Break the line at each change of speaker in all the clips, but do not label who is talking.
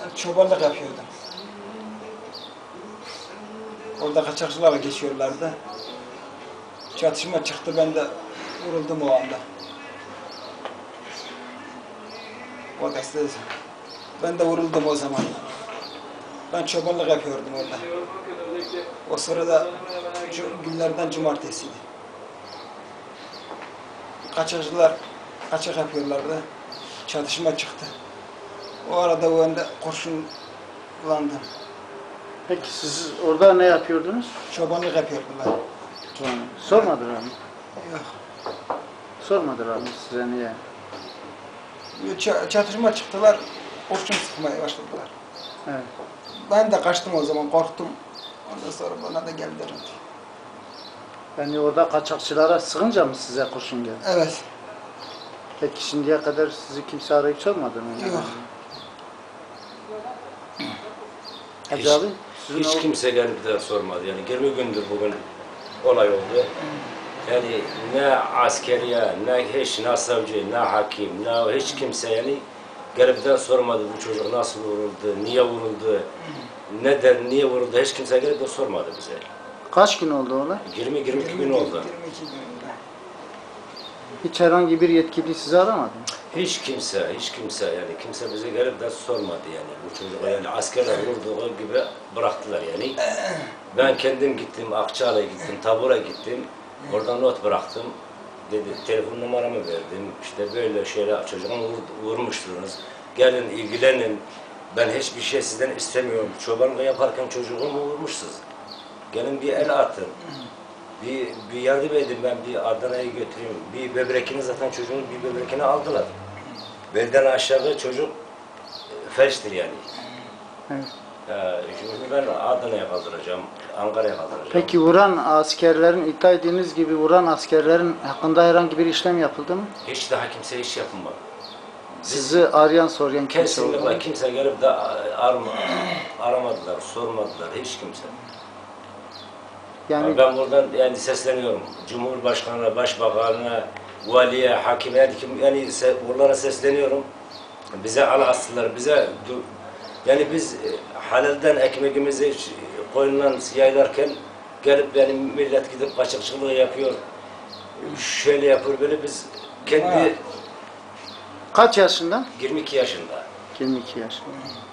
çobanlık yapıyordum. Orada kaçakçılarla geçiyorlardı. Çatışma çıktı, ben de vuruldum o anda. O deste, ben de vuruldum o zaman. Ben çobanlık yapıyordum orada. O sırada günlerden cumartesiydi. Kaçakçılar kaçak yapıyorlardı. Çatışma çıktı. O arada ben de kurşunlandım.
Peki siz orada ne yapıyordunuz?
Çobanlık yapıyordular.
Sormadılar mı?
Yok.
Sormadılar mı size niye?
Çatışma çıktılar, kurşun sıkmaya başladılar.
Evet.
Ben de kaçtım o zaman, korktum. Ondan sonra bana da geldiler.
Yani orada kaçakçılara sıkınca mı size kurşun geldi?
Evet.
Peki şimdiye kadar sizi kimse arayıp sormadı mı?
Yok.
Hacı abi?
Hiç kimse gelip de sormadı. Yani 20 gündür bugün olay oldu. Yani ne askeriye, ne savcı, ne hakim, ne hiç kimse yani gelip de sormadı bu çocuk nasıl vuruldu, niye vuruldu, niye vuruldu, hiç kimse gelip de sormadı bize.
Kaç gün oldu olay?
20-22 gün oldu.
22 gün oldu.
Hiç herhangi bir yetkili sizi aramadı mı?
Hiç kimse yani kimse bize gelip de sormadı yani bu çocuğa yani askerler vurduğu gibi bıraktılar yani. Ben kendim gittim, Akçaalı'ya gittim, tabura gittim, orada not bıraktım. Dedi, telefon numaramı verdim, işte böyle şeyler çocuğumu vurmuştunuz, gelin ilgilenin, ben hiçbir şey sizden istemiyorum, çobanlık yaparken çocuğumu vurmuşsunuz, gelin bir el atın. Bir yardım edin, ben bir Adana'ya götüreyim. Bir böbrekini zaten çocuğun bir böbrekini aldılar. Belden aşağı çocuk felçtir yani.
Evet.
Şimdi ben Adana'ya kaldıracağım, Ankara'ya kaldıracağım.
Peki vuran askerlerin, iddia ettiğiniz gibi vuran askerlerin hakkında herhangi bir işlem yapıldı mı?
Hiç daha kimse iş yapmadı.
Sizi arayan, sorayan kimse oldu mu?
Kesinlikle kimse gelip de aramadılar, sormadılar, hiç kimse.
Yani
Ben buradan yani sesleniyorum. Cumhurbaşkanına, başbakanına, valiye, hakime, yani buralara sesleniyorum. Bize al astılar, bize yani biz halalden ekmeğimizi koyundan yaylarken gelip yani millet gidip kaçakçılığı yapıyor, şöyle yapıyor böyle biz kendi
kaç yaşında?
22 yaşında.
22 yaşında.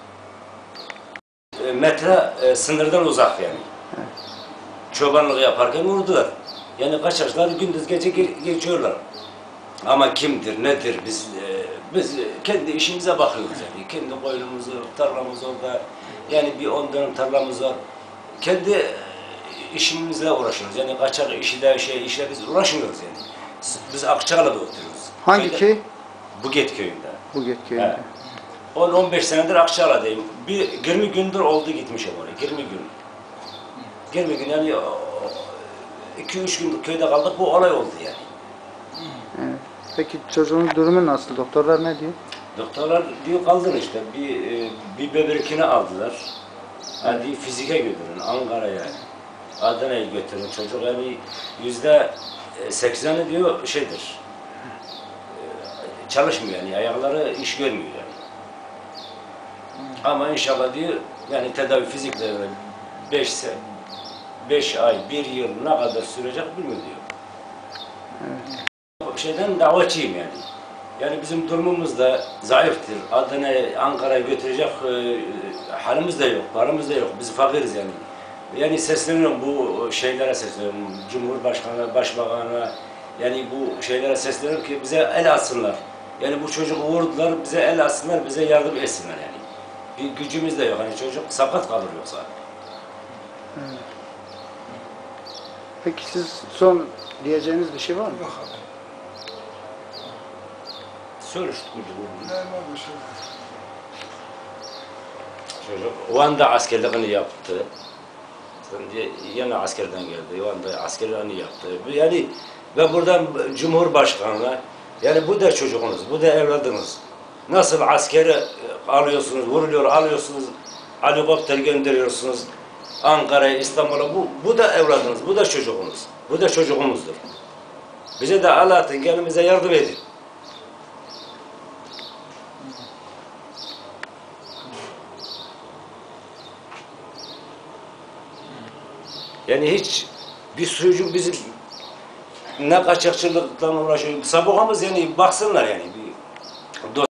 Metre sınırdan uzak yani.
Evet.
Çobanlık yaparken vurdular. Yani kaçakçılar gündüz gece geçiyorlar. Ama kimdir, nedir biz kendi işimize bakıyoruz yani. Kendi koyunumuz, tarlamız orada. Yani bir 10 dönüm tarlamız var. Kendi işimizle uğraşıyoruz. Yani kaçak işle biz uğraşmıyoruz yani. Biz Akçaalı'da oturuyoruz.
Hangi köy?
Buget köyünde.
Buget köyünde.
Evet. 10-15 senedir Akçaalı'dayım. 20 gündür oldu gitmişim oraya. 20 gün. 20 gün yani 2-3 gün köyde kaldık, bu olay oldu yani.
Evet. Peki çocuğun durumu nasıl? Doktorlar ne diyor?
Doktorlar diyor kaldır işte, bir böbrekini aldılar. Hadi fizike götürün, Ankara'ya, Adana'ya götürün. Çocuk yani %80'i diyor şeydir, çalışmıyor yani, ayakları iş görmüyor yani. Ama inşallah diyor, yani tedavi fizikle 5 ay, 1 yıl ne kadar sürecek bilmiyor diyor.
Evet.
Şeyden davetçiyim yani. Yani bizim durumumuz da zayıftır. Adana'ya, Ankara'ya götürecek halimiz de yok, paramız da yok. Biz fakiriz yani. Yani sesleniyorum bu şeylere sesleniyorum. Cumhurbaşkanı, başbakanına, yani bu şeylere sesleniyorum ki bize el atsınlar. Yani bu çocuğu vurdular, bize el atsınlar, bize yardım etsinler yani. Bir gücümüz de yok. Hani çocuk sakat kalır yoksa.
Evet. Peki siz son diyeceğiniz bir şey var mı?
Yok abi.
Soruştuk bu.
Normal bir şey.
Çocuk Van'da askerliğini yaptı. Şimdi yine askerden geldi. Van'da askerliğini yaptı. Yani ve buradan Cumhurbaşkanı'na, yani bu da çocuğunuz, bu da evladınız. Nasıl askeri alıyorsunuz, vuruluyor, alıyorsunuz, helikopter gönderiyorsunuz Ankara'ya, İstanbul'a, bu da evladınız, bu da çocuğunuz, bu da çocuğumuzdur. Bize de Allah'ın gelin bize yardım edin. Yani hiç bir çocuk bizim ne kaçakçılıkla uğraşıyor. Sabıkamız yani baksınlar yani.